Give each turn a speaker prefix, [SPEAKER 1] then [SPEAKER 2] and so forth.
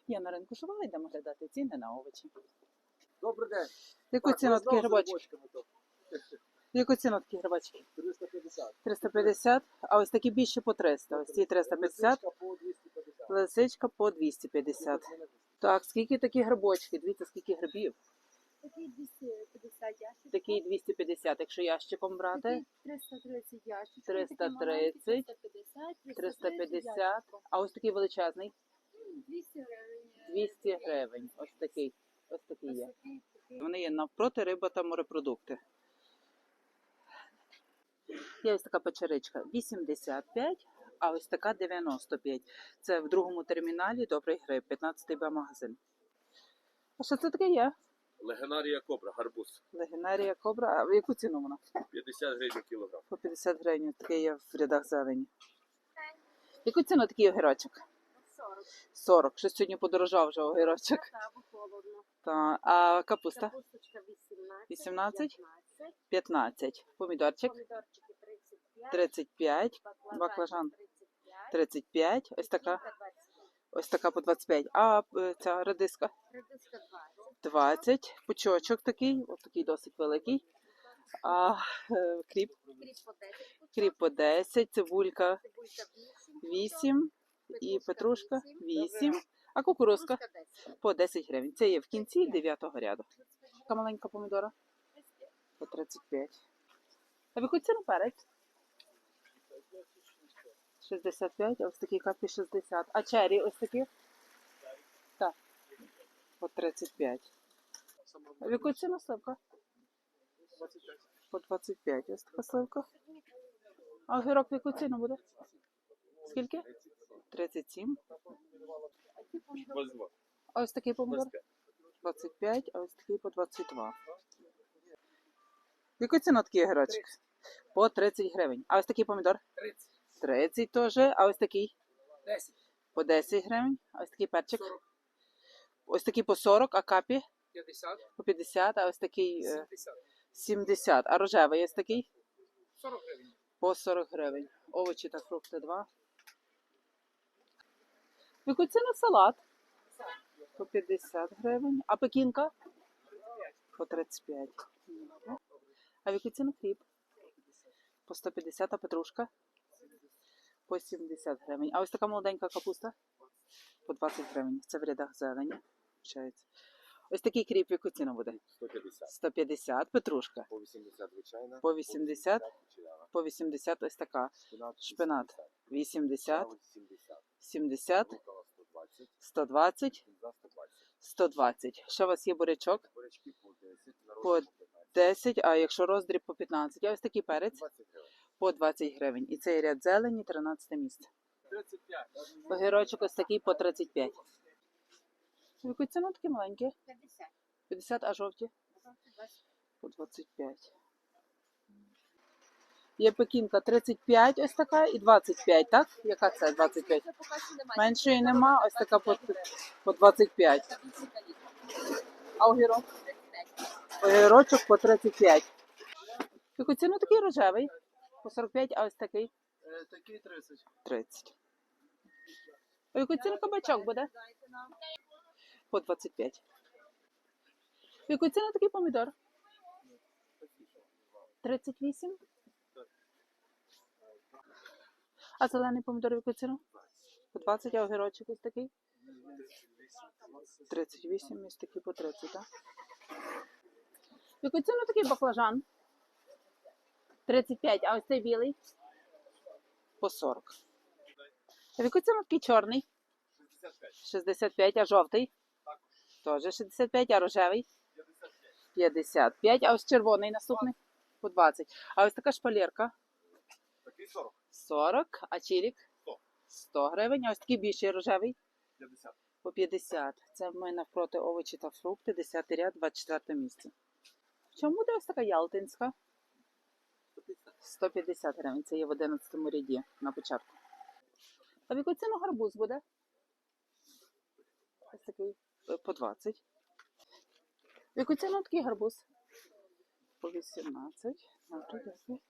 [SPEAKER 1] Я на ринку Шувала, йдемо глядати ціни на овочі.
[SPEAKER 2] Добрий день.
[SPEAKER 1] Яку ціну такі грибочки? Яку ціну такі грибочки?
[SPEAKER 2] 350.
[SPEAKER 1] 350, а ось такі більші по 300. Ось ці 350,
[SPEAKER 2] Лисичка по 250.
[SPEAKER 1] лисичка по 250. Так, скільки такі грибочки? Дивіться, скільки грибів.
[SPEAKER 3] Такий 250 ящичків.
[SPEAKER 1] Такий 250, якщо ящиком брати.
[SPEAKER 3] Такий 330 ящичків.
[SPEAKER 1] 330, 350, а ось такий величезний.
[SPEAKER 3] 200 гривень.
[SPEAKER 1] 200 гривень. Ось такий є. Вони є навпроти риба та морепродукти. Є ось така печеричка 85, а ось така 95. Це в другому терміналі Добрий гриб, 15-й Б-магазин. А що це таке є?
[SPEAKER 2] Легенарія кобра, гарбуз.
[SPEAKER 1] Легенарія кобра. А в яку ціну вона?
[SPEAKER 2] 50 гривень кілограм.
[SPEAKER 1] По 50 гривень. Таке є в рядах зелені. Яку ціну такий огірочок?
[SPEAKER 3] 40.
[SPEAKER 1] 40. Щось сьогодні подорожав вже огірочок.
[SPEAKER 3] Так, холодно.
[SPEAKER 1] Та, а капуста?
[SPEAKER 3] Капусточка 18.
[SPEAKER 1] 18?
[SPEAKER 3] 15.
[SPEAKER 1] 15. Помідорчик?
[SPEAKER 3] Помідорчики 35.
[SPEAKER 1] 35. Баклажан
[SPEAKER 3] 35.
[SPEAKER 1] 35. Ось така.
[SPEAKER 3] Кілька 25.
[SPEAKER 1] Ось така по 25. А ця редиска?
[SPEAKER 3] Редиска 20.
[SPEAKER 1] 20. Пучочок такий. Ось такий досить великий. А кріп?
[SPEAKER 3] Кріп по 10.
[SPEAKER 1] Кріп по 10. Цибулька
[SPEAKER 3] Цибулька 8.
[SPEAKER 1] 8. І петрушка 8. А кукурузка?
[SPEAKER 3] Кукурузка 10.
[SPEAKER 1] По 10 гривень. Це є в кінці 9-го ряду. Така маленька помідора? По 35. А в яку ціну перець? 65, а ось такі капі 60. А чері ось такі? Так. По 35. А в яку ціну сливка? По 25. Ось така сливка. А огірок в яку ціну буде? Скільки? 37.
[SPEAKER 2] 22.
[SPEAKER 1] А ось такий помідор? 25, а ось такий по 22. В яку ціну такий огірочок? По 30 гривень. А ось такий помідор?
[SPEAKER 2] 30.
[SPEAKER 1] 30 теж. А ось такий?
[SPEAKER 2] 10.
[SPEAKER 1] По 10 гривень. А ось такий перчик?
[SPEAKER 2] 40.
[SPEAKER 1] Ось такий по 40, а капі?
[SPEAKER 2] 50.
[SPEAKER 1] По 50, а ось такий
[SPEAKER 2] 70.
[SPEAKER 1] 70. А рожевий ось такий?
[SPEAKER 2] 40 гривень.
[SPEAKER 1] По 40 гривень. Овочі та фрукти 2. В яку ціну салат? По 50 гривень. А пекінка? По 35. А в яку ціну хліб? По 150, а петрушка? По 70 гривень. А ось така молоденька капуста? По 20 гривень. Це в рядах зелені. Ось такий кріп, в яку ціну буде?
[SPEAKER 2] 150.
[SPEAKER 1] 150. Петрушка?
[SPEAKER 2] По 80 звичайна.
[SPEAKER 1] По 80. По 80 ось така. Шпинат 80. 70. 120. 120. Ще у вас є бурячок?
[SPEAKER 2] Бурячки по 10.
[SPEAKER 1] По 10, а якщо роздріб по 15. А ось такий перець?
[SPEAKER 2] 20 гривень.
[SPEAKER 1] По 20 гривень. І цей ряд зелені, 13 місце.
[SPEAKER 2] 35.
[SPEAKER 1] Огірочок ось такий по 35. В яку ціну такі маленькі?
[SPEAKER 3] 50.
[SPEAKER 1] 50, а жовті?
[SPEAKER 3] 20.
[SPEAKER 1] По 25. Є пекінка 35 ось така і 25, так? Яка це 25? Меншої нема, ось така по 25. А огірок? Огірочок по 35. В яку ціну такий рожевий? По 45, а ось такий?
[SPEAKER 2] Такий 30.
[SPEAKER 1] 30. А в яку ціну кабачок буде? По 25. В яку ціну такий помідор? 38. А зелений помідор в яку ціну? По 20, а огірочок ось такий? 38, ось такий по 30, так? В яку ціну такий баклажан? 35, а ось цей білий? По 40. А в яку ціну такий чорний? 65, а жовтий? Теж 65, а рожевий? 55, а ось червоний наступний? По 20. А ось така шпалерка?
[SPEAKER 2] Такий 40.
[SPEAKER 1] 40, а чирік?
[SPEAKER 2] 100.
[SPEAKER 1] 100 гривень, а ось такий більший рожевий?
[SPEAKER 2] 50.
[SPEAKER 1] По 50. Це в мене навпроти овочі та фрукти, 10 ряд, 24 місце. В чому буде ось така ялтинська? 150 гривень, це є в 11 ряді на початку. А в яку ціну гарбуз буде? Ось такий по 20. В яку ціну такий гарбуз? По 18. Добре, дякую.